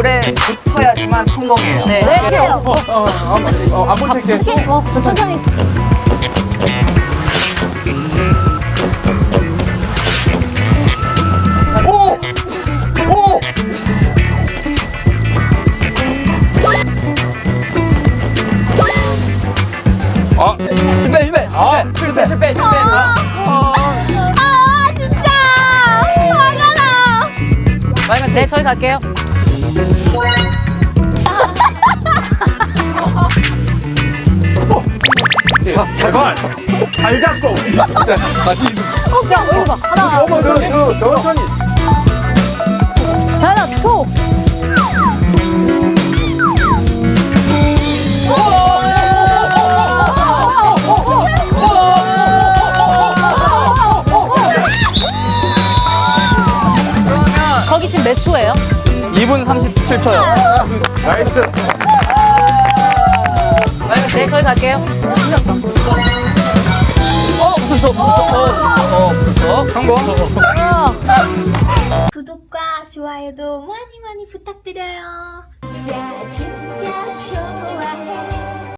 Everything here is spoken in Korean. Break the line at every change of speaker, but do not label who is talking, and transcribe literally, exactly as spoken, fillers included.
오래 붙어야지만 성공이에요.
네.
네, 그래요.
어, 어, 어, 안 볼게.
어, 천천히.
오! 오! 아, 실패, 실패. 아, 실패, 실패, 실패. 아,
아, 진짜. 화가 나.
마이가 네, 저희 갈게요.
제발. 잘 잡고. 진짜 다시.
어, 자, 이리 봐. 하나,
어머, 너, 너, 천천히.
하나, 톡.
거기 지금 몇 초예요?
이 분 삼십칠 초요.
나이스.
마이가 네, 저희 갈게요. 어, 무서워, 무서워. 어, 무서워.
성공.
구독과 좋아요도 많이 많이 부탁드려요. 진짜 진짜 좋아해.